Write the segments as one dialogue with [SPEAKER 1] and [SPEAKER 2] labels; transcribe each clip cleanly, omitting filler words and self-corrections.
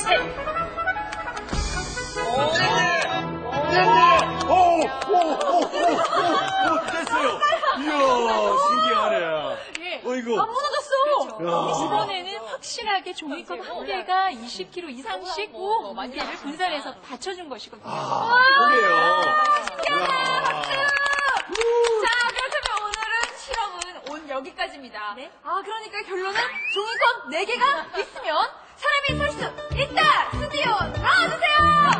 [SPEAKER 1] 셋.
[SPEAKER 2] 됐네! 됐어요! 이야, 신기하네.
[SPEAKER 1] 예.
[SPEAKER 2] 어이구.
[SPEAKER 1] 안 무너졌어.
[SPEAKER 2] 그렇죠.
[SPEAKER 1] 이번에는 확실하게 종이컵 한 개가 20kg 이상씩 무게를 분산해서 받쳐준 것이거든요.
[SPEAKER 2] 그래요.
[SPEAKER 1] 자, 그렇다면 오늘은 실험은 온 여기까지입니다.
[SPEAKER 3] 네?
[SPEAKER 1] 그러니까 결론은 종이컵 4개가 있으면 사람이 살 수 있다! 스튜디오 나와주세요!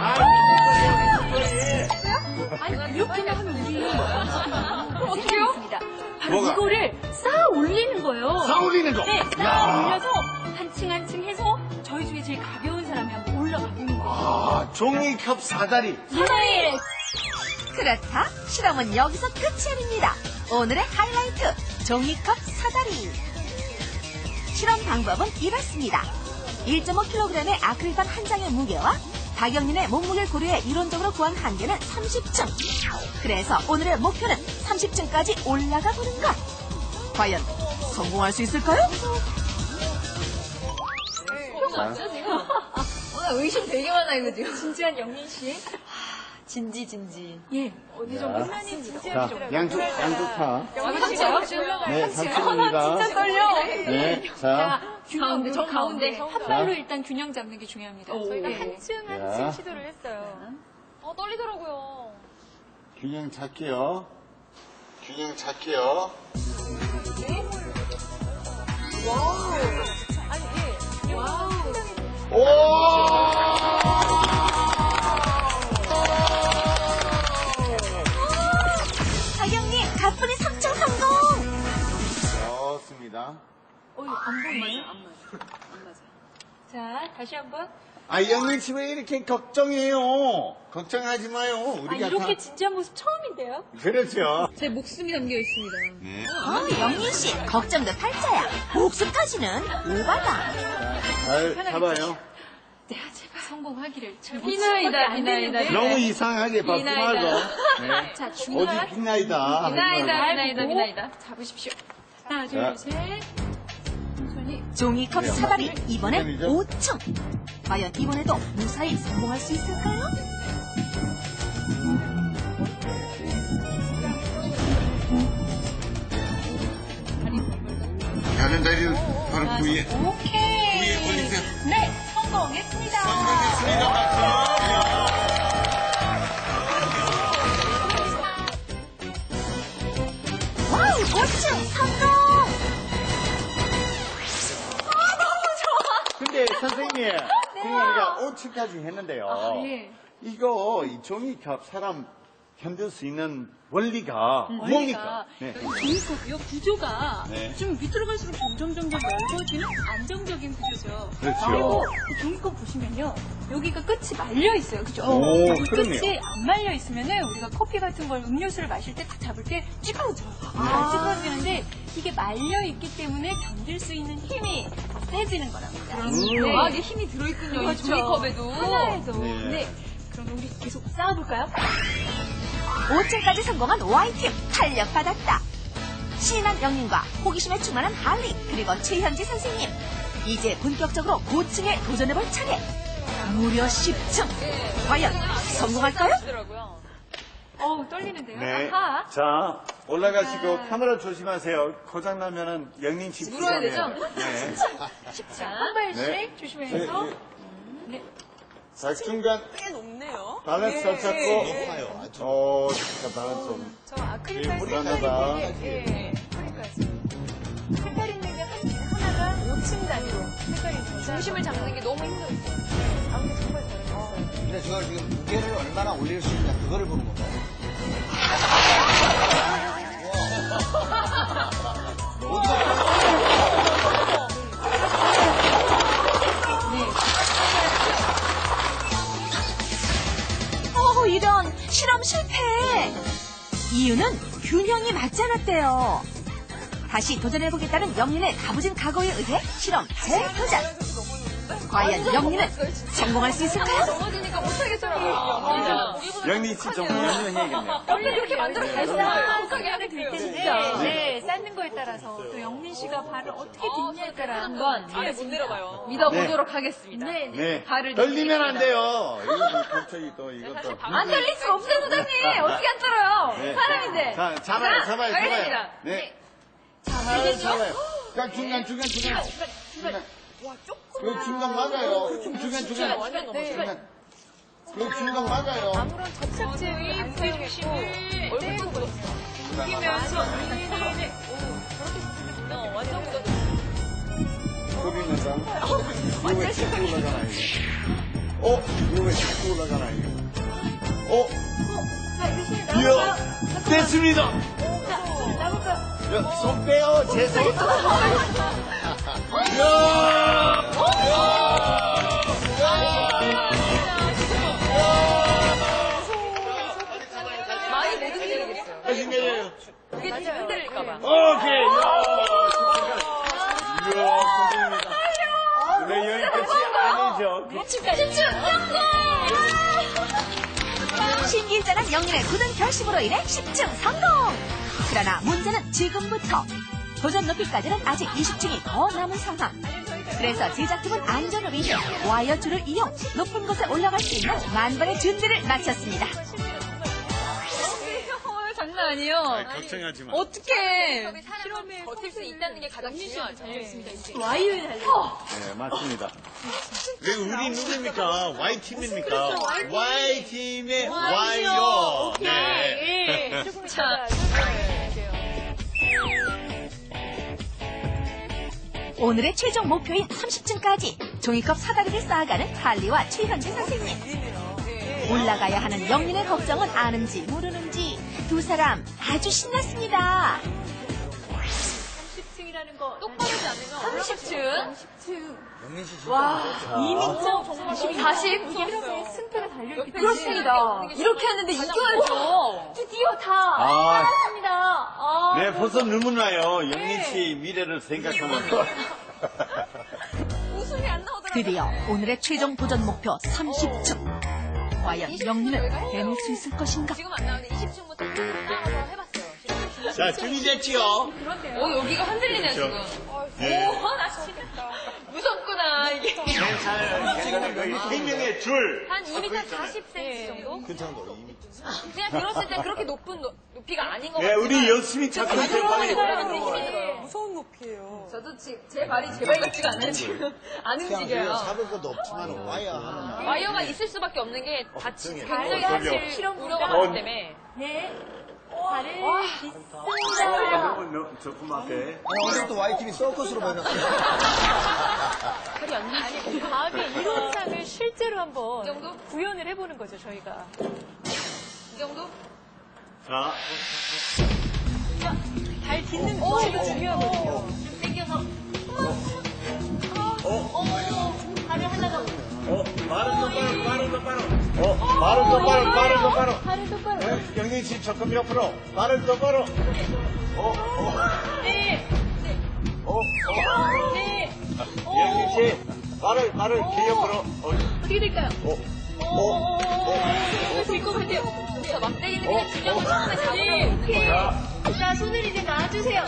[SPEAKER 1] 아니, 이렇게만 하면 우리. 그럼 어떻게 해요? 바로
[SPEAKER 2] 뭐가?
[SPEAKER 1] 이거를 쌓아 올리는 거예요.
[SPEAKER 2] 쌓아 올리는 거?
[SPEAKER 1] 네, 쌓아 올려서 한 층 한 층 해서 저희 중에 제일 가벼운 사람이 한번 올라가 보는 거예요.
[SPEAKER 2] 종이컵 사다리.
[SPEAKER 1] 네.
[SPEAKER 3] 그렇다. 실험은 여기서 끝이 아닙니다. 오늘의 하이라이트, 종이컵 사다리. 실험 방법은 이렇습니다. 1.5kg의 아크릴판 한 장의 무게와 박영린의 몸무게를 고려해 이론적으로 구한 한계는 30층. 그래서 오늘의 목표는 30층까지 올라가 보는 것. 과연 성공할 수 있을까요?
[SPEAKER 1] 오늘 의심 되게 많아, 이거 지금. 진지한 영민 씨.
[SPEAKER 3] 진지.
[SPEAKER 1] 예, 어느 정도 화면이 진지하게 좀.
[SPEAKER 2] 양쪽 파.
[SPEAKER 1] 영민 씨가
[SPEAKER 2] 네, 삼촌입니다.
[SPEAKER 1] 진짜 떨려.
[SPEAKER 2] 네, 자.
[SPEAKER 1] 자, 균형, 정 가운데
[SPEAKER 3] 가운데.
[SPEAKER 1] 한 발로 일단 균형 잡는 게 중요합니다.
[SPEAKER 4] 저희가
[SPEAKER 1] 네.
[SPEAKER 4] 한층
[SPEAKER 2] 자.
[SPEAKER 4] 한층 시도를 했어요. 떨리더라고요.
[SPEAKER 2] 균형 잡게요. 균형 잡게요.
[SPEAKER 4] 아니, 예. 와우.
[SPEAKER 2] 오!
[SPEAKER 3] 박영린 가뿐히 3층 성공!
[SPEAKER 2] 좋습니다.
[SPEAKER 1] 안 맞아요? 안 맞아. 자, 다시 한번.
[SPEAKER 2] 영민 씨 왜 이렇게 걱정해요? 걱정하지 마요. 우리가
[SPEAKER 1] 이렇게
[SPEAKER 2] 다.
[SPEAKER 1] 진지한 모습 처음인데요?
[SPEAKER 2] 그렇죠.
[SPEAKER 1] 제 목숨이 담겨 있습니다.
[SPEAKER 2] 네.
[SPEAKER 3] 영민 씨, 걱정도 팔자야. 목숨 타지는 오바다.
[SPEAKER 2] 잘 잡아요.
[SPEAKER 1] 네, 제발 성공하기를.
[SPEAKER 4] 비나이다.
[SPEAKER 2] 너무 이상하게 받지
[SPEAKER 4] 비나이다.
[SPEAKER 2] 말고. 네.
[SPEAKER 1] 자,
[SPEAKER 2] 어디
[SPEAKER 1] 중간.
[SPEAKER 2] 빛나이다.
[SPEAKER 4] 비나이다.
[SPEAKER 1] 잡으십시오. 하나,
[SPEAKER 2] 자.
[SPEAKER 1] 둘, 셋. 천천히.
[SPEAKER 3] 종이컵 사다리, 이번엔
[SPEAKER 2] 이번이죠?
[SPEAKER 3] 5층. 과연 이번에도 무사히 성공할 수 있을까요?
[SPEAKER 2] 다른 다리를 바로 그 위에.
[SPEAKER 1] 오케이.
[SPEAKER 2] 위에 올리세요.
[SPEAKER 1] 네, 성공했습니다.
[SPEAKER 3] 와우, 5층 성공!
[SPEAKER 2] 근데 선생님, 우리가 5층까지 했는데요.
[SPEAKER 1] 예.
[SPEAKER 2] 이거 이 종이컵 사람 견딜 수 있는 원리가 뭡니까? 네.
[SPEAKER 1] 종이컵, 이 구조가
[SPEAKER 2] 네.
[SPEAKER 1] 좀 밑으로 갈수록 점점 넓어지는 안정적인 구조죠.
[SPEAKER 2] 그렇죠.
[SPEAKER 1] 그리고 이 종이컵 보시면요. 여기가 끝이 말려 있어요. 그죠?
[SPEAKER 2] 오,
[SPEAKER 1] 여기
[SPEAKER 2] 그러네요.
[SPEAKER 1] 끝이 안 말려 있으면은 우리가 커피 같은 걸 음료수를 마실 때 딱 잡을 때 찌그러져. 찌그러지는데 이게 말려 있기 때문에 견딜 수 있는 힘이 세지는 거랍니다.
[SPEAKER 4] 아, 이게 힘이 들어있군요. 이
[SPEAKER 1] 그렇죠.
[SPEAKER 4] 종이컵에도.
[SPEAKER 1] 하나에도.
[SPEAKER 2] 네.
[SPEAKER 1] 네. 그럼 우리 계속 쌓아볼까요?
[SPEAKER 3] 5층까지 성공한 Y팀 탄력받았다. 신한 영린과 호기심에 충만한 할리 그리고 최현지 선생님. 이제 본격적으로 고층에 도전해볼 차례. 무려 10층. 과연 성공할까요?
[SPEAKER 4] 더라고요.
[SPEAKER 1] 떨리는데요.
[SPEAKER 2] 네.
[SPEAKER 1] 아하.
[SPEAKER 2] 자, 올라가시고 카메라 조심하세요. 고장 나면은 영린 씨
[SPEAKER 4] 물어야 되죠?
[SPEAKER 2] 네.
[SPEAKER 1] 자, 한 발씩
[SPEAKER 2] 네.
[SPEAKER 1] 조심해서.
[SPEAKER 2] 네.
[SPEAKER 1] 네.
[SPEAKER 2] 자, 중간
[SPEAKER 4] 꽤 높네요.
[SPEAKER 2] 밸런스 잘 잡고. 잠깐 밸런스 좀.
[SPEAKER 4] 저 아크릴판
[SPEAKER 2] 불안하다.
[SPEAKER 4] 색깔이
[SPEAKER 1] 색깔 있는 게 하나가 5층 단위로 색깔이 있어요.
[SPEAKER 4] 중심을 잡는 게 너무 힘들었어요.
[SPEAKER 1] 아무튼 정말 잘했어요.
[SPEAKER 5] 근데 저걸 지금 무게를 얼마나 올릴 수 있냐 그거를 보는 건가요?
[SPEAKER 3] 이런 실험 실패. 이유는 균형이 맞지 않았대요. 다시 도전해보겠다는 영린의 다부진 각오에 의해 실험 재도전. 과연 영리는 성공할 수 있을까요?
[SPEAKER 4] 넘어지니까 못하겠어요.
[SPEAKER 2] 영리 씨 좀 연연해야겠네요.
[SPEAKER 4] 원래 그렇게 만들어
[SPEAKER 1] 발사하게
[SPEAKER 4] 못하게
[SPEAKER 1] 하게 될 텐데, 네, 쌓는 거에 따라서 또 영민 씨가 발을 어떻게 딛냐에 따라 한번
[SPEAKER 4] 아예 못 내려가요.
[SPEAKER 1] 믿어보도록 하겠습니다. 네,
[SPEAKER 2] 네.
[SPEAKER 1] 발을
[SPEAKER 2] 떨리면 안 돼요. 이거 갑자기 또 이것도.
[SPEAKER 1] 안 떨릴 수가 없어요, 소장님. 어떻게 안 떨어요?
[SPEAKER 2] 네.
[SPEAKER 1] 사람인데.
[SPEAKER 2] 자, 잡아요.
[SPEAKER 1] 알겠습니다.
[SPEAKER 2] 네. 잡아요. 자, 중간. 그 중간 맞아요. 중간.
[SPEAKER 4] 완전 넘어져요.
[SPEAKER 2] 그 중간 맞아요.
[SPEAKER 1] 아무런 접착 제형이 안 사용했고,
[SPEAKER 4] 얼굴도 묻었어.
[SPEAKER 1] 이기면서
[SPEAKER 4] 완전 묻었어.
[SPEAKER 2] 소리면서. 이거 왜 자꾸 올라가나, 이거. 이거 왜 자꾸 올라가나, 이거.
[SPEAKER 1] 자, 이제 실
[SPEAKER 2] 이야,
[SPEAKER 1] 나올까요?
[SPEAKER 2] 됐습니다.
[SPEAKER 1] 자, 손 나올까요?
[SPEAKER 2] 야, 손 빼요, 제 손.
[SPEAKER 4] 많이 못 흔들리겠어요.
[SPEAKER 2] 신기해요.
[SPEAKER 4] 그게 진짜 흔들릴까봐.
[SPEAKER 2] 오케이. 이야, 성공입니다. 근데 여기까지 아니죠.
[SPEAKER 3] 신기일전한 영린의 굳은 결심으로 인해 10층 성공! 그러나 문제는 지금부터. 도전 높이까지는 아직 20층이 더 남은 상황. 그래서 제작팀은 안전을 위해 와이어줄을 이용 높은 곳에 올라갈 수 있는 만반의 준비를 마쳤습니다.
[SPEAKER 1] 장난 아니에요.
[SPEAKER 2] 걱정하지 마.
[SPEAKER 1] 어떡해.
[SPEAKER 4] 사람이 버틸 수 있다는 게 가장 중요하죠.
[SPEAKER 1] 와이어에 달려.
[SPEAKER 2] 네, 맞습니다. 왜 우리 누구입니까? Y팀입니까? Y팀의 와이어. 네.
[SPEAKER 1] 자,
[SPEAKER 3] 오늘의 최종 목표인 30층까지 종이컵 사다리를 쌓아가는 할리와 최현진 선생님. 올라가야 하는 영린의 걱정은 아는지 모르는지 두 사람 아주 신났습니다.
[SPEAKER 1] 30층이라는 거.
[SPEAKER 4] 똑바르지 않으면
[SPEAKER 1] 30층?
[SPEAKER 5] 영민 씨 진짜
[SPEAKER 1] 와,
[SPEAKER 5] 무섭죠.
[SPEAKER 1] 2m 40? 이렇게 승패가 달려있기 때문에.
[SPEAKER 4] 그렇습니다.
[SPEAKER 1] 이렇게 했는데 이겨야죠. 드디어 다
[SPEAKER 2] 아.
[SPEAKER 1] 알았습니다.
[SPEAKER 2] 네, 벌써 눈물 나요. 영민 씨 미래를 생각하면.
[SPEAKER 4] 웃음이 안 나오더라고요.
[SPEAKER 3] 드디어 오늘의 최종 도전 목표 30층. 과연 영린은 해낼 수 있을 것인가?
[SPEAKER 4] 지금 안 나오는데 20층부터 나가서 해봤어요.
[SPEAKER 2] 자, 준비됐지요?
[SPEAKER 1] 여기가 흔들리네, 지금.
[SPEAKER 2] 네.
[SPEAKER 1] 나 진짜 무섭구나, 이게.
[SPEAKER 2] 괜찮아요. 세 명의 줄.
[SPEAKER 4] 한 2m 40cm 정도?
[SPEAKER 5] 괜찮아.
[SPEAKER 4] 그냥 들었을 때 그렇게 높은 높이가 아닌 것
[SPEAKER 2] 네,
[SPEAKER 4] 같아요.
[SPEAKER 2] 우리 열심히 찾고 있어요. 빨리.
[SPEAKER 4] 힘이 들어요.
[SPEAKER 6] 무서운 높이에요.
[SPEAKER 1] 저도 지금 제 발이 제 발 같지가 않아요, 지금. 안
[SPEAKER 5] 그냥
[SPEAKER 1] 움직여요.
[SPEAKER 5] 잡을 것도 없지만 와야 하는.
[SPEAKER 4] 와이어가 있을 수밖에 없는 게
[SPEAKER 2] 걱정이에요.
[SPEAKER 4] 굉장히
[SPEAKER 2] 걱정이요.
[SPEAKER 4] 사실 실험 우려가 많기 때문에.
[SPEAKER 1] 네. 발을 딛습니다.
[SPEAKER 2] 너무 조그맣게.
[SPEAKER 5] 오늘부터 Y팀이 서커스로 변했어요.
[SPEAKER 1] 아니, 다음에 이론상을 실제로 한번
[SPEAKER 4] 이 정도?
[SPEAKER 1] 구현을 해보는 거죠, 저희가.
[SPEAKER 4] 이 정도?
[SPEAKER 2] 자,
[SPEAKER 1] 발 딛는 위치가 중요하거든요.
[SPEAKER 4] 당겨서.
[SPEAKER 1] 발을 하나 더.
[SPEAKER 2] 발은 똑바로.
[SPEAKER 1] 발을 똑바로.
[SPEAKER 2] 네, 영민 씨 조금 옆으로. 발은 똑바로.
[SPEAKER 1] 네. 네.
[SPEAKER 2] 영민 씨, 발을 기 옆으로.
[SPEAKER 1] 어떻게 될까요? 될것 같아요.
[SPEAKER 4] 저 막대기는 그냥 균형을 처음에 잡으려고
[SPEAKER 1] 네,
[SPEAKER 4] 있는
[SPEAKER 1] 오케이.
[SPEAKER 4] 거예요.
[SPEAKER 1] 자, 손을 이제 놔주세요.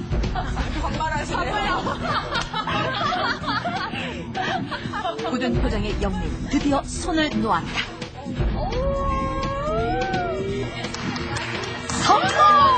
[SPEAKER 3] 굳은 표정의 영린 드디어 손을 놓았다. 성공!